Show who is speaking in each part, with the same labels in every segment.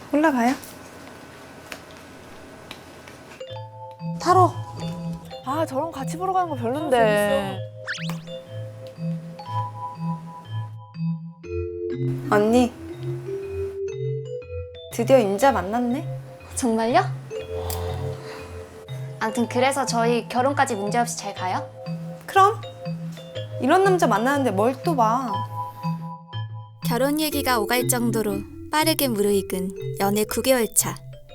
Speaker 1: 올라가요.
Speaker 2: 타로.
Speaker 3: 아, 저랑 같이 보러 가는 거 별론데.
Speaker 1: 언니, 드디어 인자 만났네?
Speaker 4: 정말요? 아무튼 그래서 저희 결혼까지 문제없이 잘 가요?
Speaker 1: 그럼 이런 남자 만나는데 뭘 또 봐.
Speaker 5: 결혼 얘기가 오갈 정도로 빠르게 무르익은 연애 9개월 차.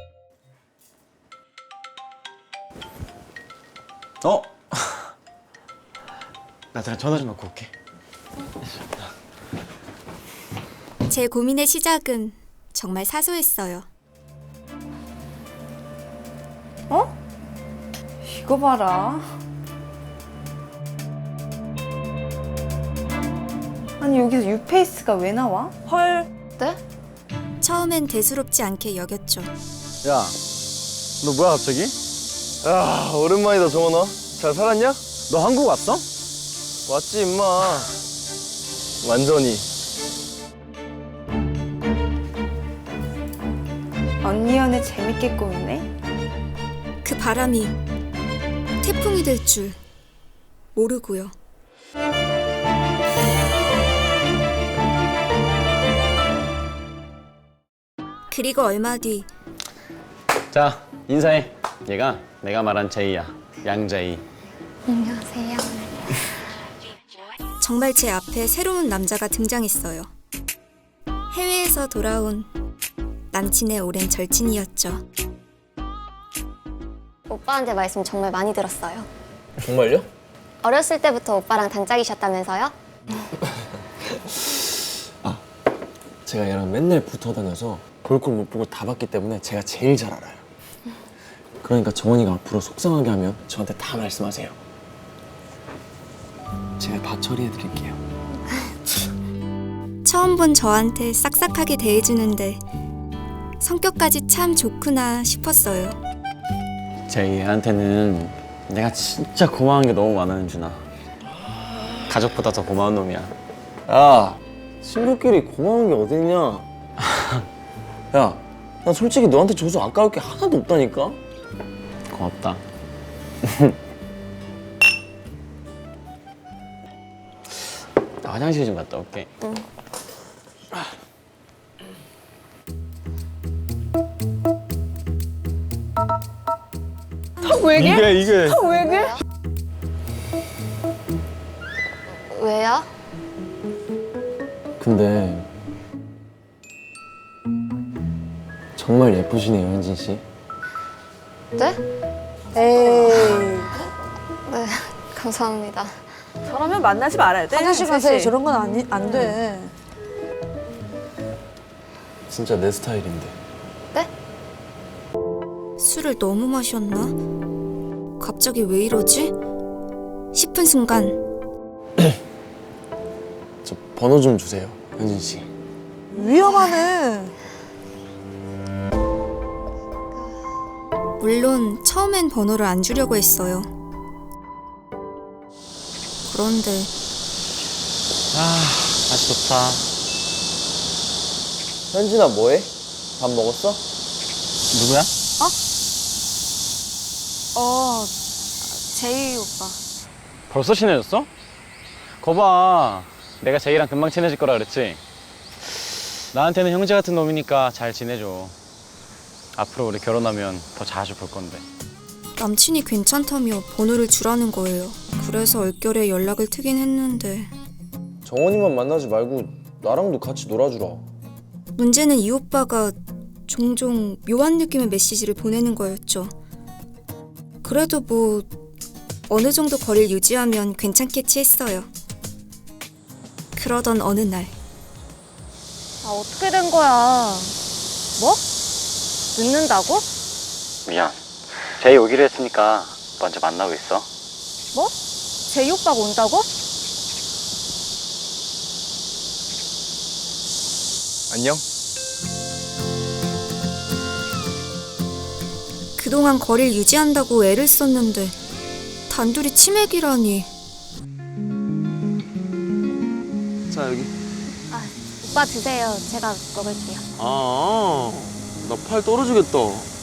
Speaker 6: 나 잠깐 전화 좀 받고 올게.
Speaker 5: 제 고민의 시작은 정말 사소했어요.
Speaker 1: 이거 봐라. 아니 여기서 유페이스가 왜 나와?
Speaker 3: 헐.
Speaker 4: 네?
Speaker 5: 처음엔 대수롭지 않게 여겼죠.
Speaker 6: 야, 너 뭐야 갑자기?
Speaker 7: 야, 오랜만이다, 정원아. 잘 살았냐?
Speaker 6: 너 한국 왔어?
Speaker 7: 왔지, 임마. 완전히.
Speaker 1: 언니 연애 재밌게 꾸미네?
Speaker 5: 그 바람이 태풍이 될 줄 모르고요. 그리고 얼마 뒤
Speaker 6: 자, 인사해. 얘가 내가 말한 제이야. 양제이.
Speaker 4: 안녕하세요.
Speaker 5: 정말 제 앞에 새로운 남자가 등장했어요. 해외에서 돌아온 남친의 오랜 절친이었죠.
Speaker 4: 오빠한테 말씀 정말 많이 들었어요.
Speaker 7: 정말요?
Speaker 4: 어렸을 때부터 오빠랑 단짝이셨다면서요?
Speaker 7: 제가 얘랑 맨날 붙어 다녀서 볼 걸 못 보고 다 봤기 때문에 제가 제일 잘 알아요. 그러니까 정원이가 앞으로 속상하게 하면 저한테 다 말씀하세요. 제가 다 처리해드릴게요.
Speaker 5: 처음 본 저한테 싹싹하게 대해주는데 성격까지 참 좋구나 싶었어요.
Speaker 6: 제이한테는 내가 진짜 고마운 게 너무 많아, 은준아. 가족보다 더 고마운 놈이야.
Speaker 7: 야, 친구끼리 고마운 게 어딨냐? 야, 난 솔직히 너한테 줘서 아까울 게 하나도 없다니까?
Speaker 6: 고맙다. 나 화장실 좀 갔다 올게.
Speaker 7: 이게.
Speaker 4: 왜요?
Speaker 7: 근데 정말 예쁘시네요, 현진 씨.
Speaker 4: 네?
Speaker 2: 에이.
Speaker 4: 네, 감사합니다.
Speaker 3: 저라면 만나지 말아야 돼.
Speaker 2: 화장실
Speaker 3: 혜진
Speaker 2: 가세요.
Speaker 3: 씨.
Speaker 2: 저런 건 안 돼.
Speaker 7: 진짜 내 스타일인데.
Speaker 4: 네?
Speaker 5: 술을 너무 마셨나? 갑자기 왜 이러지? 싶은 순간
Speaker 7: 저 번호 좀 주세요, 현진 씨.
Speaker 2: 위험하네.
Speaker 5: 물론 처음엔 번호를 안 주려고 했어요. 그런데
Speaker 6: 날씨 좋다.
Speaker 7: 현진아, 뭐해? 밥 먹었어?
Speaker 6: 누구야?
Speaker 1: 제이 오빠.
Speaker 6: 벌써 친해졌어? 거봐, 내가 제이랑 금방 친해질 거라 그랬지? 나한테는 형제 같은 놈이니까 잘 지내줘. 앞으로 우리 결혼하면 더 자주 볼 건데.
Speaker 5: 남친이 괜찮다며 번호를 주라는 거예요. 그래서 얼결에 연락을 트긴 했는데
Speaker 7: 정원이만 만나지 말고 나랑도 같이 놀아주라.
Speaker 5: 문제는 이 오빠가 종종 묘한 느낌의 메시지를 보내는 거였죠. 그래도 뭐 어느 정도 거리를 유지하면 괜찮겠지 했어요. 그러던 어느 날
Speaker 4: 아, 어떻게 된 거야? 뭐? 늦는다고?
Speaker 6: 미안. 제이 오기로 했으니까 먼저 만나고 있어.
Speaker 4: 뭐? 제이 오빠가 온다고?
Speaker 7: 안녕?
Speaker 5: 그동안 거리를 유지한다고 애를 썼는데 단둘이 치맥이라니.
Speaker 7: 자, 여기.
Speaker 4: 오빠 드세요. 제가 먹을게요.
Speaker 6: 아,
Speaker 7: 나 팔 떨어지겠다.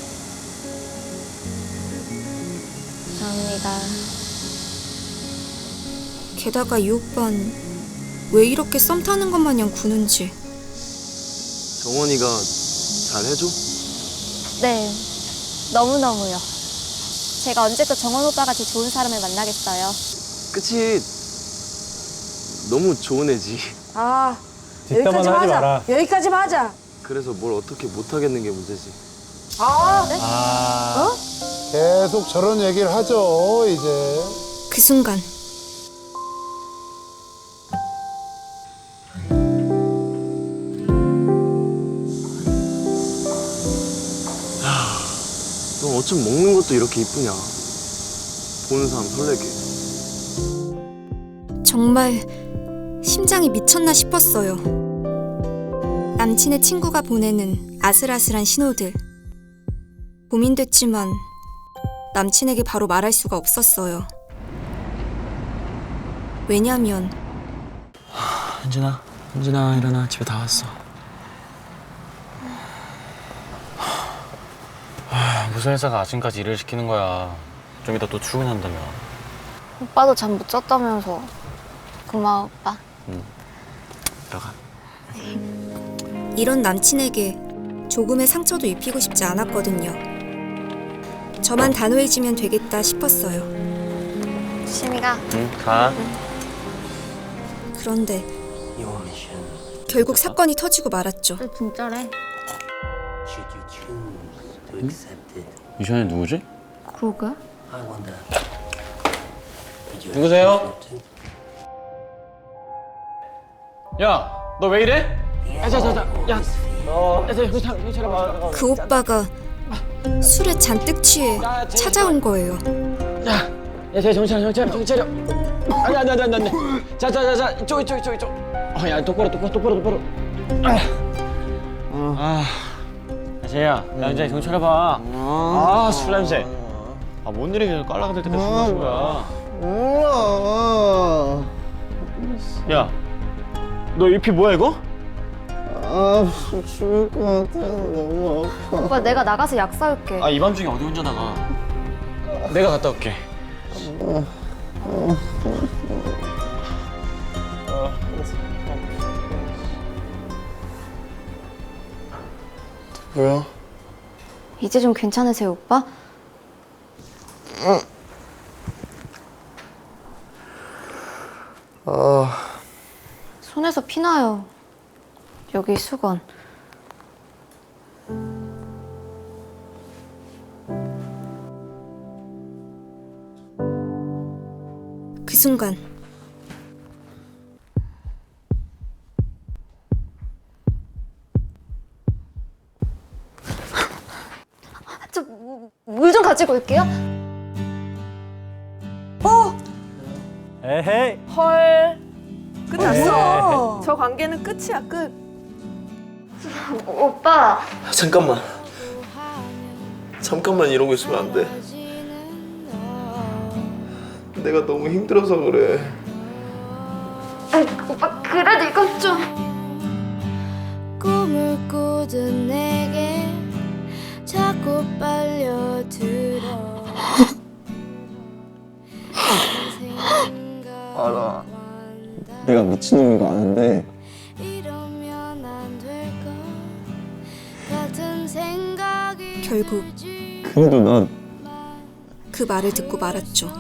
Speaker 4: 감사합니다.
Speaker 5: 게다가 이 오빤 왜 이렇게 썸 타는 것 마냥 구는지.
Speaker 7: 정원이가 잘 해줘?
Speaker 4: 네, 너무너무요. 제가 언제 또 정원 오빠 같이 좋은 사람을 만나겠어요.
Speaker 7: 그치. 너무 좋은 애지.
Speaker 2: 아,
Speaker 8: 뒷담화는
Speaker 2: 여기까지만
Speaker 8: 하지
Speaker 2: 하자.
Speaker 8: 마라.
Speaker 2: 여기까지만 하자.
Speaker 7: 그래서 뭘 어떻게 못하겠는 게 문제지.
Speaker 8: 아, 계속 저런 얘기를 하죠, 이제.
Speaker 5: 그 순간
Speaker 7: 넌 어쩜 먹는 것도 이렇게 이쁘냐. 보는 사람 설레게.
Speaker 5: 정말 심장이 미쳤나 싶었어요. 남친의 친구가 보내는 아슬아슬한 신호들. 고민됐지만 남친에게 바로 말할 수가 없었어요. 왜냐면
Speaker 7: 현진아 일어나. 집에 다 왔어.
Speaker 6: 무슨 회사가 아침까지 일을 시키는 거야. 좀 이따 또 출근한다며.
Speaker 4: 오빠도 잠 못 잤다면서. 고마워, 오빠.
Speaker 6: 들어가.
Speaker 5: 이런 남친에게 조금의 상처도 입히고 싶지 않았거든요. 저만 단호해지면 되겠다 싶었어요.
Speaker 4: 심이가
Speaker 6: 응, 가.
Speaker 5: 그런데 결국 사건이 터지고 말았죠.
Speaker 4: 진짜래.
Speaker 6: 이션이 누구지?
Speaker 4: 그러게.
Speaker 6: 누구세요? 야, 너 왜 이래? 야, 정신 차려봐.
Speaker 5: 그 오빠가 술에 잔뜩 취해 찾아온 거예요.
Speaker 6: 야, 정신 차려. 아니. 자, 이쪽. 야, 똑바로. 재야, 야 이제 정신 차려봐. 술 냄새. 뭔 일이 계속 깔라가들 때까지 술 마신 거야. 야, 너 이 피 뭐야 이거?
Speaker 7: 죽을 것 같아. 너무 아파.
Speaker 4: 오빠 내가 나가서 약 사올게.
Speaker 6: 이 밤중에 어디 혼자 나가? 내가 갔다 올게.
Speaker 7: 뭐야?
Speaker 4: 이제 좀 괜찮으세요, 오빠? 손에서 피나요. 여기 수건.
Speaker 5: 그 순간
Speaker 4: 저 물 좀 가지고 올게요.
Speaker 8: 에헤이.
Speaker 3: 헐. 끝났어.
Speaker 2: 어.
Speaker 3: 저 관계는 끝이야, 끝.
Speaker 4: 오빠.
Speaker 7: 잠깐만 이러고 있으면 안 돼. 내가 너무 힘들어서 그래.
Speaker 4: 오빠 그래도 이건 좀.
Speaker 9: 꿈을 꾸던 내게 자꾸 빨려들어.
Speaker 7: 알아. 내가 미친놈인 거 아는데
Speaker 9: 이러면 안 될 것 같은 생각이
Speaker 5: 결국
Speaker 7: 그래도 난
Speaker 5: 그 말을 듣고 말았죠.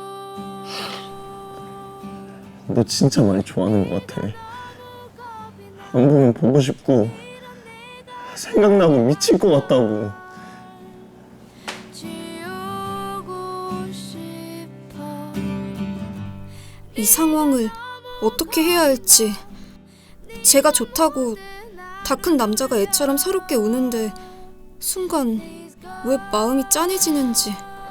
Speaker 7: 너 진짜 많이 좋아하는 것 같아. 안 보면 보고 싶고 생각나고 미칠 것 같다고.
Speaker 9: 지우고 싶어.
Speaker 5: 이 상황을 어떻게 해야 할지. 제가 좋다고 다 큰 남자가 애처럼 서럽게 우는데 순간 왜 마음이 짠해지는지.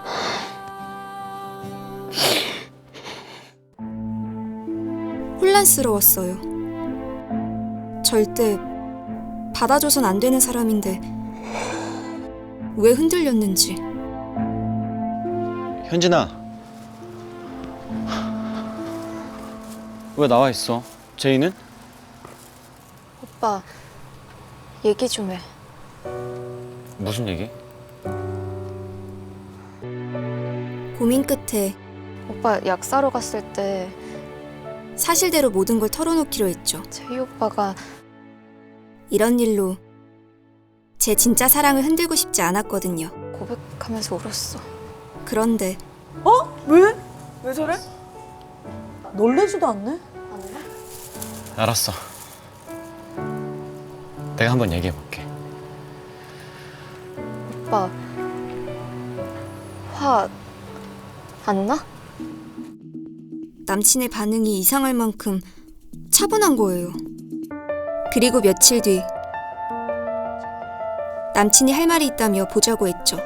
Speaker 5: 혼란스러웠어요. 절대 받아줘선 안 되는 사람인데 왜 흔들렸는지.
Speaker 6: 현진아, 왜 나와 있어? 제이는?
Speaker 4: 오빠 얘기 좀 해.
Speaker 6: 무슨 얘기?
Speaker 5: 고민 끝에
Speaker 4: 오빠 약 사러 갔을 때
Speaker 5: 사실대로 모든 걸 털어놓기로 했죠.
Speaker 4: 제이 오빠가
Speaker 5: 이런 일로 제 진짜 사랑을 흔들고 싶지 않았거든요.
Speaker 4: 고백하면서 울었어.
Speaker 5: 그런데
Speaker 2: 왜?
Speaker 3: 왜 저래?
Speaker 2: 놀래지도 않네?
Speaker 6: 알았어. 내가 한번 얘기해볼게.
Speaker 4: 오빠 화 안 나?
Speaker 5: 남친의 반응이 이상할 만큼 차분한 거예요. 그리고 며칠 뒤 남친이 할 말이 있다며 보자고 했죠.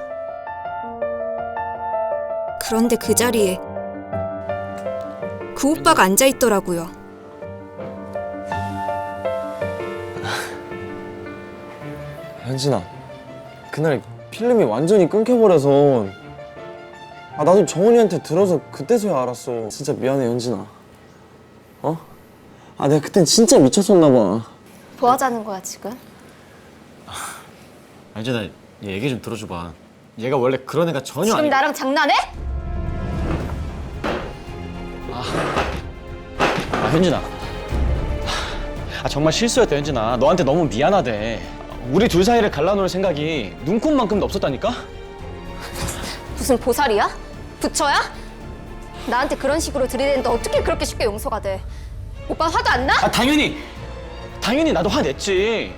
Speaker 5: 그런데 그 자리에 그 오빠가 앉아 있더라고요.
Speaker 7: 현진아, 그날 필름이 완전히 끊겨버려서 나도 정원이한테 들어서 그때서야 알았어. 진짜 미안해, 현진아. 어? 내가 그땐 진짜 미쳤었나 봐.
Speaker 4: 뭐 하자는 거야 지금?
Speaker 6: 현진아, 얘 얘기 좀 들어줘봐. 얘가 원래 그런 애가 전혀
Speaker 4: 지금
Speaker 6: 아니.
Speaker 4: 나랑 장난해?
Speaker 6: 현진아. 정말 실수였다, 현진아. 너한테 너무 미안하대. 우리 둘 사이를 갈라놓을 생각이 눈꼽만큼도 없었다니까?
Speaker 4: 무슨 보살이야? 부처야? 나한테 그런 식으로 들이대는데 어떻게 그렇게 쉽게 용서가 돼? 오빠 화도 안 나?
Speaker 6: 당연히 나도 화냈지.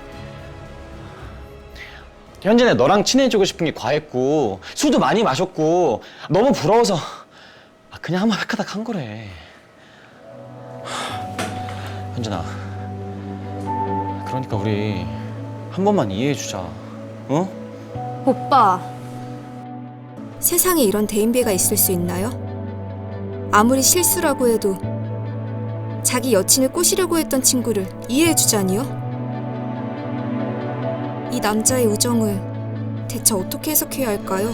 Speaker 6: 현진아, 너랑 친해지고 싶은 게 과했고 술도 많이 마셨고 너무 부러워서 그냥 한번 획하닥 한 거래. 현진아, 그러니까 우리 한 번만 이해해주자. 어?
Speaker 4: 오빠
Speaker 5: 세상에 이런 대인배가 있을 수 있나요? 아무리 실수라고 해도 자기 여친을 꼬시려고 했던 친구를 이해해주자니요? 이 남자의 우정을 대체 어떻게 해석해야 할까요?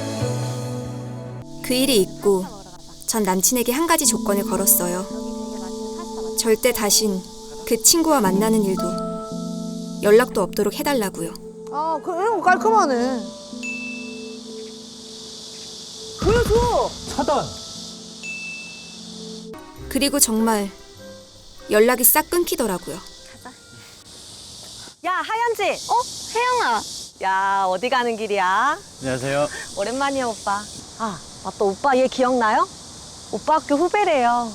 Speaker 5: 그 일이 있고 전 남친에게 한 가지 조건을 걸었어요. 절대 다신 그 친구와 만나는 일도 연락도 없도록 해달라고요.
Speaker 2: 이런 거 깔끔하네. 보여줘!
Speaker 8: 차단.
Speaker 5: 그리고 정말 연락이 싹 끊기더라고요.
Speaker 10: 야, 하연지.
Speaker 4: 혜영아
Speaker 10: 야, 어디 가는 길이야?
Speaker 6: 안녕하세요.
Speaker 10: 오랜만이야, 오빠. 맞다. 오빠 얘 기억나요? 오빠 학교 후배래요.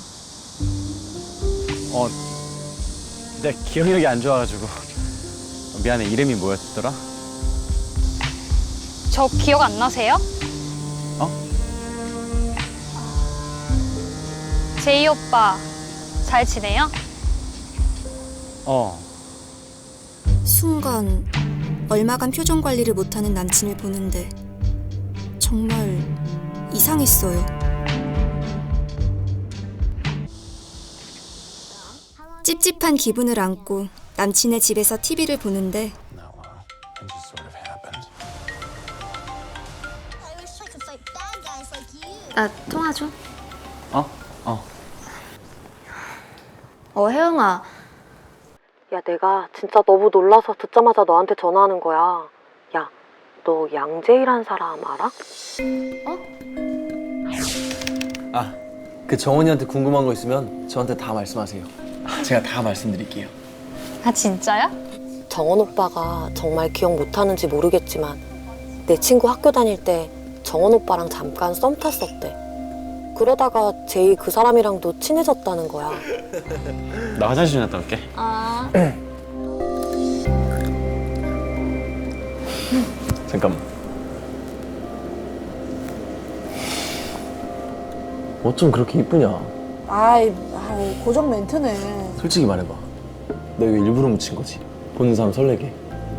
Speaker 6: 내 기억력이 안 좋아가지고. 미안해, 이름이 뭐였더라?
Speaker 4: 저 기억 안 나세요? 제이 오빠 잘 지내요?
Speaker 5: 순간 얼마간 표정 관리를 못하는 남친을 보는데 정말 이상했어요. 찝찝한 기분을 안고 남친의 집에서 TV를 보는데
Speaker 4: 나 통화 좀. 혜영아.
Speaker 10: 야, 내가 진짜 너무 놀라서 듣자마자 너한테 전화하는 거야. 야, 너 양재희란 사람 알아?
Speaker 7: 그 정원이한테 궁금한 거 있으면 저한테 다 말씀하세요. 제가 다 말씀드릴게요.
Speaker 4: 아 진짜야?
Speaker 10: 정원 오빠가 정말 기억 못하는지 모르겠지만 내 친구 학교 다닐 때 정원 오빠랑 잠깐 썸 탔었대. 그러다가 제이 그 사람이랑도 친해졌다는 거야.
Speaker 6: 나 화장실 좀 갔다 올게.
Speaker 7: 잠깐만. 어쩜 그렇게 이쁘냐?
Speaker 2: 고정 멘트네.
Speaker 7: 솔직히 말해봐. 너 이거 일부러 묻힌 거지? 보는 사람 설레게.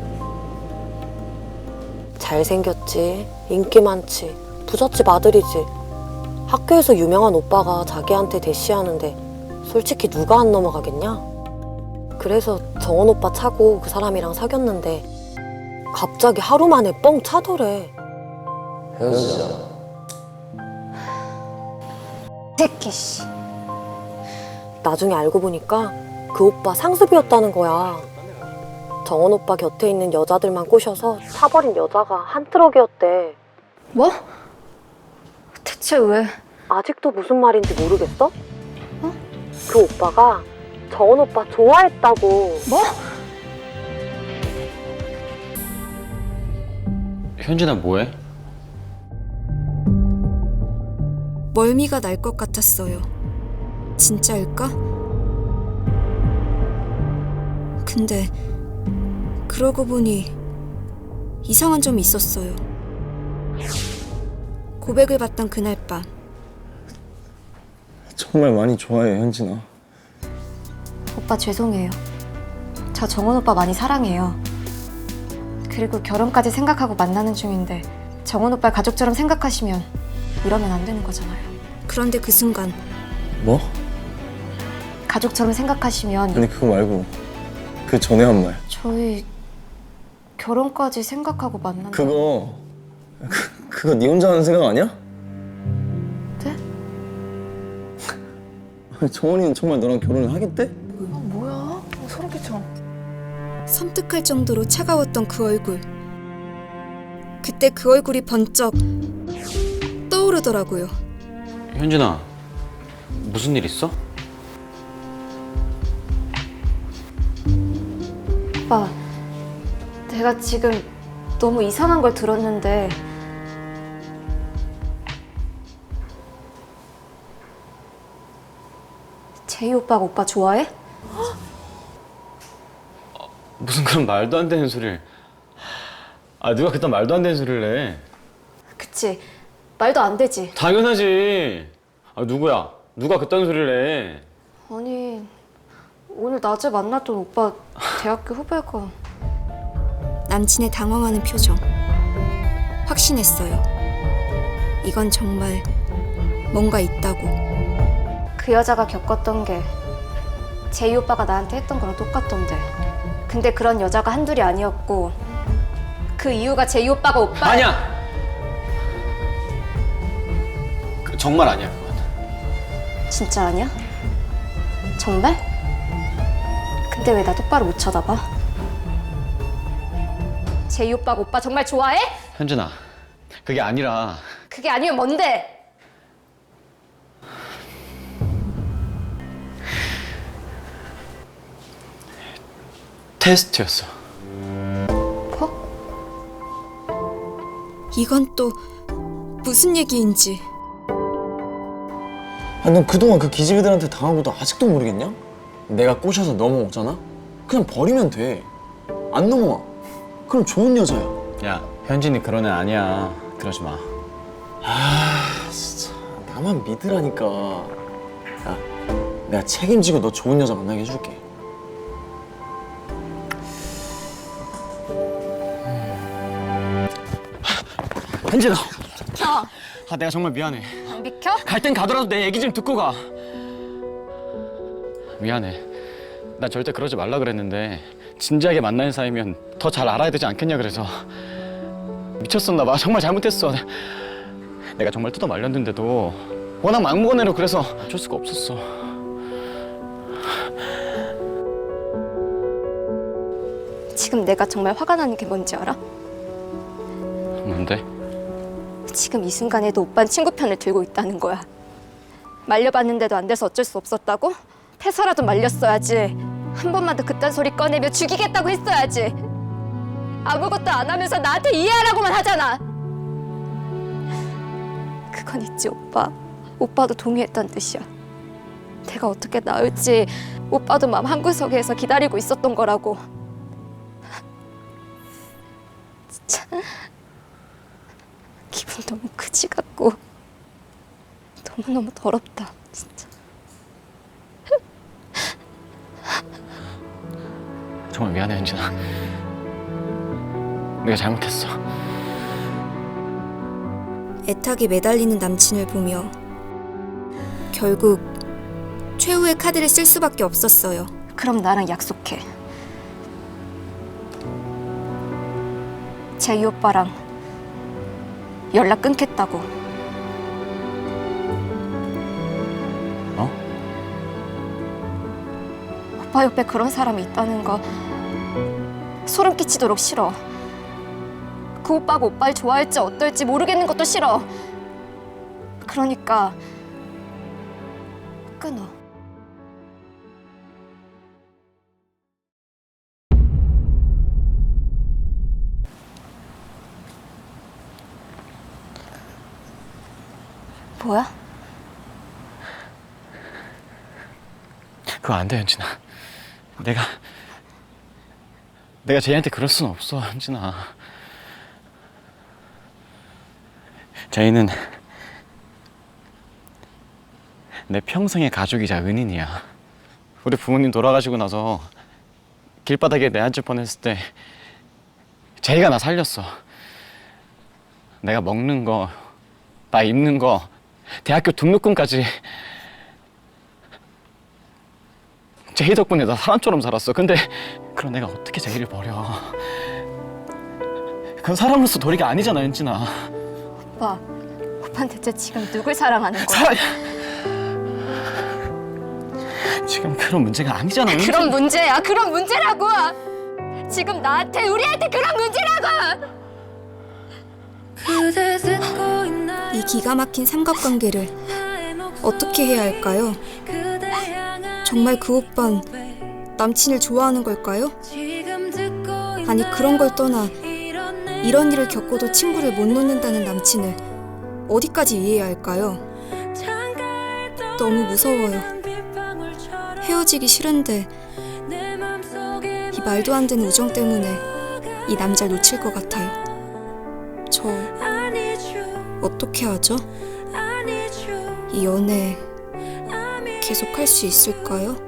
Speaker 10: 잘생겼지, 인기 많지, 부잣집 아들이지. 학교에서 유명한 오빠가 자기한테 대시하는데 솔직히 누가 안 넘어가겠냐? 그래서 정원 오빠 차고 그 사람이랑 사귀었는데 갑자기 하루 만에 뻥 차더래.
Speaker 7: 헤어지자.
Speaker 4: 새끼 씨.
Speaker 10: 나중에 알고 보니까 그 오빠 상습이었다는 거야. 정원 오빠 곁에 있는 여자들만 꼬셔서 사버린 여자가 한 트럭이었대.
Speaker 4: 뭐? 대체 왜?
Speaker 10: 아직도 무슨 말인지 모르겠어? 그 오빠가 정원 오빠 좋아했다고.
Speaker 4: 뭐?
Speaker 6: 현진아 뭐해?
Speaker 5: 멀미가 날 것 같았어요. 진짜일까? 근데 그러고 보니 이상한 점이 있었어요. 고백을 받던 그날 밤
Speaker 7: 정말 많이 좋아해, 현진아.
Speaker 4: 오빠 죄송해요. 저 정원 오빠 많이 사랑해요. 그리고 결혼까지 생각하고 만나는 중인데 정원 오빠 가족처럼 생각하시면 이러면 안 되는 거잖아요.
Speaker 5: 그런데 그 순간
Speaker 7: 뭐?
Speaker 4: 가족처럼 생각하시면
Speaker 7: 아니 그거 말고 그 전에 한 말.
Speaker 4: 저희 결혼까지 생각하고 만난다.
Speaker 7: 그거 네 혼자 하는 생각 아니야?
Speaker 4: 네?
Speaker 7: 아니, 정원이는 정말 너랑 결혼을 하겠대?
Speaker 3: 뭐야? 소름 끼쳐.
Speaker 5: 섬뜩할 정도로 차가웠던 그 얼굴. 그때 그 얼굴이 번쩍 떠오르더라고요.
Speaker 6: 현진아 무슨 일 있어?
Speaker 4: 오빠, 내가 지금 너무 이상한 걸 들었는데 제이 오빠가 오빠 좋아해?
Speaker 6: 무슨 그런 말도 안 되는 소리를. 아 누가 그딴 말도 안 되는 소리를 해.
Speaker 4: 그치, 말도 안 되지.
Speaker 6: 당연하지. 아 누구야? 누가 그딴 소리를 해.
Speaker 4: 아니, 오늘 낮에 만났던 오빠 대학교 후배가.
Speaker 5: 남친의 당황하는 표정. 확신했어요. 이건 정말 뭔가 있다고.
Speaker 4: 그 여자가 겪었던 게 제이 오빠가 나한테 했던 거랑 똑같던데. 근데 그런 여자가 한둘이 아니었고 그 이유가 제이 오빠가 오빠.
Speaker 6: 아니야. 정말 아니야 그건.
Speaker 4: 진짜 아니야? 정말? 근데 왜 나 똑바로 못 쳐다봐? 제이 오빠가 오빠 정말 좋아해?
Speaker 6: 현진아 그게 아니라.
Speaker 4: 그게 아니면 뭔데?
Speaker 6: 테스트였어.
Speaker 4: 뭐?
Speaker 5: 이건 또 무슨 얘기인지.
Speaker 7: 아, 넌 그동안 그 기집애들한테 당하고도 아직도 모르겠냐? 내가 꼬셔서 넘어오잖아? 그냥 버리면 돼. 안 넘어와. 그럼 좋은 여자야.
Speaker 6: 야 현진이 그런 애 아니야. 그러지 마.
Speaker 7: 아, 진짜. 나만 믿으라니까. 야, 내가 책임지고 너 좋은 여자 만나게 해줄게. 현진아.
Speaker 4: 비켜!
Speaker 6: 아 내가 정말 미안해.
Speaker 4: 안 비켜?
Speaker 6: 갈 땐 가더라도 내 얘기 좀 듣고 가. 미안해. 나 절대 그러지 말라 그랬는데 진지하게 만나는 사이면 더 잘 알아야 되지 않겠냐 그래서. 미쳤었나 봐. 정말 잘못했어. 내가 정말 뜯어 말렸는데도 워낙 막무가내로 그래서 어쩔 수가 없었어.
Speaker 4: 지금 내가 정말 화가 나는 게 뭔지 알아?
Speaker 6: 뭔데?
Speaker 4: 지금 이 순간에도 오빠는 친구 편을 들고 있다는 거야. 말려봤는데도 안 돼서 어쩔 수 없었다고? 패서라도 말렸어야지. 한 번만 더 그딴 소리 꺼내면 죽이겠다고 했어야지. 아무것도 안 하면서 나한테 이해하라고만 하잖아. 그건 있지 오빠. 오빠도 동의했단 뜻이야. 내가 어떻게 나을지 오빠도 마음 한구석에서 기다리고 있었던 거라고. 진짜 기분 너무 그지 같고 너무너무 더럽다 진짜.
Speaker 6: 정말 미안해 현진아. 내가 잘못했어.
Speaker 5: 애타게 매달리는 남친을 보며 결국 최후의 카드를 쓸 수밖에 없었어요.
Speaker 4: 그럼 나랑 약속해. 제이 오빠랑 연락 끊겠다고.
Speaker 6: 어?
Speaker 4: 오빠 옆에 그런 사람이 있다는 거 소름 끼치도록 싫어. 그 오빠가 오빠를 좋아할지 어떨지 모르겠는 것도 싫어. 그러니까 끊어. 뭐야?
Speaker 6: 그거 안 돼, 현진아. 내가 제이한테 그럴 수는 없어, 현진아. 제이는 내 평생의 가족이자 은인이야. 우리 부모님 돌아가시고 나서 길바닥에 내앉을 뻔했을 때 제이가 나 살렸어. 내가 먹는 거, 나 입는 거, 대학교 등록금까지 제이 덕분에 나 사람처럼 살았어. 근데 그런 내가 어떻게 제이를 버려. 그건 사람으로서 도리가 아니잖아, 현진아.
Speaker 4: 오빠는 대체 지금 누굴 사랑하는 거야?
Speaker 6: 지금 그런 문제가 아니잖아, 현진아.
Speaker 4: 그런 문제야. 그런 문제라고. 지금 나한테, 우리한테 그런 문제라고.
Speaker 5: 이 기가 막힌 삼각관계를 어떻게 해야 할까요? 정말 그 오빤 남친을 좋아하는 걸까요? 아니 그런 걸 떠나 이런 일을 겪고도 친구를 못 놓는다는 남친을 어디까지 이해해야 할까요? 너무 무서워요. 헤어지기 싫은데 이 말도 안 되는 우정 때문에 이 남자를 놓칠 것 같아요. 저 어떻게 하죠? 이 연애 계속 할 수 있을까요?